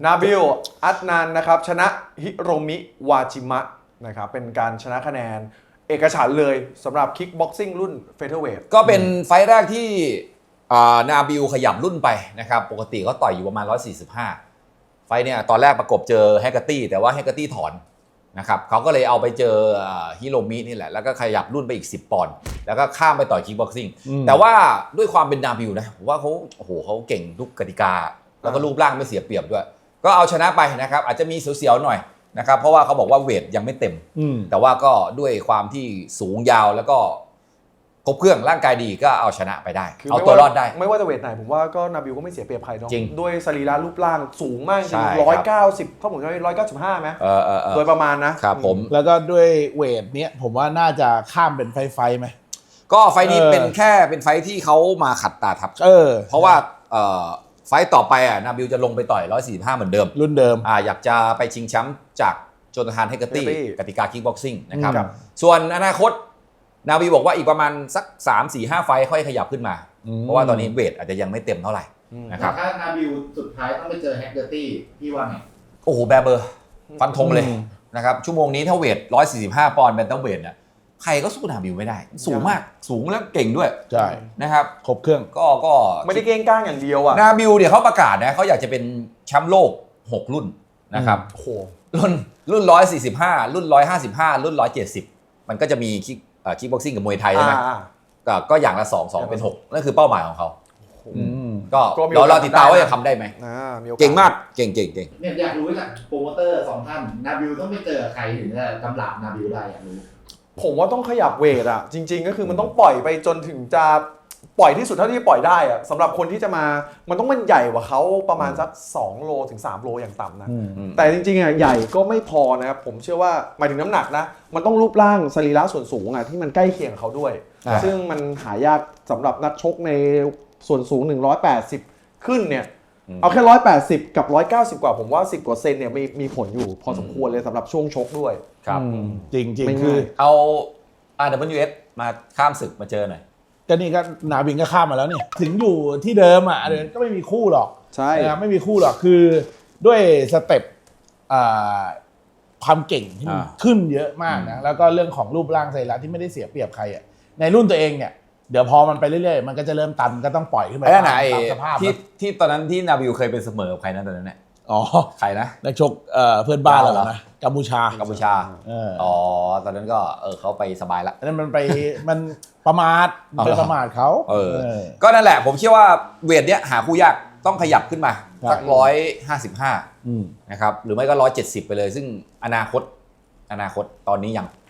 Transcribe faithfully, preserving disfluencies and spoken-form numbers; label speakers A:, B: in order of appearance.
A: นาบิลอัดนานนะครับชนะฮิโรมิวาจิมะนะครับเป็นการชนะคะแนนเอกฉันท์เลยสำหรับคิกบ็อกซิ่งรุ่นเฟเธอร์เวท
B: ก็เป็นไฟล์แรกที่นาบิลขยับรุ่นไปนะครับปกติเขาต่อยอยู่ประมาณหนึ่งร้อยสี่สิบห้าไฟล์เนี่ยตอนแรกประกบเจอแฮกเกอร์ตี้แต่ว่าแฮกเกอร์ตี้ถอนนะครับเขาก็เลยเอาไปเจอฮิโรมินี่แหละแล้วก็ขยับรุ่นไปอีกสิบปอนด์แล้วก็ข้ามไปต่อยคิกบ็อกซิ่งแต่ว่าด้วยความเป็นนาบิลนะผมว่าเขาโอ้โหเขาเก่งทุกกติกาแล้วก็รูปร่างไม่เสียเปรียบด้วยก็เอาชนะไปนะครับอาจจะมีเสียวๆหน่อยนะครับเพราะว่าเขาบอกว่าเวทยังไม่เต็มแต่ว่าก็ด้วยความที่สูงยาวแล้วก็ครบเครื่องร่างกายดีก็เอาชนะไปได้เอาตัวรอดได้
A: ไม่ว่าจะเวทไหนผมว่าก็นาบิลก็ไม่เสียเปรียบใครเนาะ
B: จริง
A: ด้วยสรีระรูปร่างสูงมากจริงร้อยเก้าสิบเขาผมจะร้อยเก้าสิบห้าไหม
B: เออเออ
A: โดยประมาณนะครับ
B: ผม
C: แล้วก็ด้วยเวทเนี้ยผมว่าน่าจะข้ามเป็นไฟไฟไหม
B: ก็ไฟนี้เป็นแค่เป็นไฟที่เขามาขัดตาทับ
C: เออ
B: เพราะว่าเอ่อไฟต่อไปอ่ะนาบิลจะลงไปต่อยหนึ่งร้อยสี่สิบห้าเหมือนเดิม
C: รุ่นเดิม
B: อ่าอยากจะไปชิงแชมป์จากโจนาธานเฮกเกอร์ตี้กติกาคิกบ็อกซิ่งนะครับส่วนอนาคตนาบิลบอกว่าอีกประมาณสัก สาม สี่ ห้า ไฟค่อยขยับขึ้นมาเพราะว่าตอนนี้เวทอาจจะยังไม่เต็มเท่าไหร่นะครับ
D: ถ้านาบิลสุดท้ายต้องไปเจอแฮกเกอร์ตี้พี่ว่าไง
B: โอ้โหแบเบอร์ฟันธงเลยนะครับชั่วโมงนี้ถ้าเวทหนึ่งร้อยสี่สิบห้าปอนด์เป็นต้องเวทเนี่ยใครก็สู้นาบิลไม่ได้สูงมากสูงแล้วเก่งด้วย
C: ใช่
B: นะครับ
C: ครบเครื่อง
B: ก็ก็
A: ไม่ได้เก่งก้างอย่างเดียวอ่ะ
B: นาบิลเนี่ยเขาประกาศนะเขาอยากจะเป็นแชมป์โลกหกรุ่นนะครับ
A: โอ้โห
B: รุ่นรุ่นหนึ่งร้อยสี่สิบห้ารุ่นหนึ่งร้อยห้าสิบห้ารุ่นหนึ่งร้อยเจ็ดสิบมันก็จะมีคิกคิกบ็อกซิ่งกับมวยไทยใช่ไหมก็ก็อย่างละสอง สองเป็นหกนั่นคือเป้าหมายของเขาก็เราเราติดตามว่าจะทำได้ไหมเก่งมากเก่งเก่งเก่ง
D: เนี่ยอยากรู้จากโปรโมเตอร์สองท่านนาบิลต้องไปเจอใครถึงจะกำลับนาบิลได้อยากรู้
A: ผมว่าต้องขยับเวทอ่ะจริงๆก็คือมันต้องปล่อยไปจนถึงจะปล่อยที่สุดเท่าที่ปล่อยได้อ่ะสำหรับคนที่จะมามันต้องมันใหญ่กว่าเขาประมาณสักสองโลถึงสามโลอย่างต่ำนะแต่จริงๆอ่ะใหญ่ก็ไม่พอนะครับผมเชื่อว่าหมายถึงน้ำหนักนะมันต้องรูปร่างสรีระส่วนสูงอ่ะที่มันใกล้เคียงเขาด้วยซึ่งมันหายากสำหรับนักชกในส่วนสูงหนึ่งร้อยแปดสิบขึ้นเนี่ยเอาแค่หนึ่งร้อยแปดสิบกับหนึ่งร้อยเก้าสิบกว่าผมว่าสิบกว่าเซนเนี่ยมีมีผลอยู่พอสมควรเลยสำหรับช่วงชกด้วย
B: ครับ
C: จริงจริงคือ
B: เอา อาร์ ดับเบิลยู เอส มาข้ามศึกมาเจอหน่อย
C: ก็นี่ก็นาบิลก็ข้ามมาแล้วเนี่ยถึงอยู่ที่เดิมอ่ะก็ไม่มีคู่หรอก
A: ใช่
C: ไม่มีคู่หรอกคือด้วยสเต็ปความเก่งที่ขึ้นเยอะมากนะแล้วก็เรื่องของรูปร่างสรีระที่ไม่ได้เสียเปรียบใครอ่ะในรุ่นตัวเองเนี่ยเดี๋ยวพอมันไปเรื่อยๆมันก็จะเริ่มตันก็ต้องปล่อยขึ้นไปตามสภาพ
B: ที่ที่ตอนนั้นที่นาบิลเคยเป็นเสมอกับใครนะตอนนั้นเนี่ย
C: อ๋อ
B: ใครนะ
C: นักชกเพื่อนบ้านเรานะกัมพูชา
B: กัมพูชาอ๋อตอนนั้นก็เออเขาไปสบายละ
C: นั่นมันไปมันประมาทไปประมาทเขา
B: เออก็นั่นแหละผมเชื่อว่าเวทเนี้ยหาคู่ยากต้องขยับขึ้นมาสักร้อยห้าสิบห้านะครับหรือไม่ก็ร้อยเจ็ดสิบไปเลยซึ่งอนาคตอนาคตตอนนี้ยัง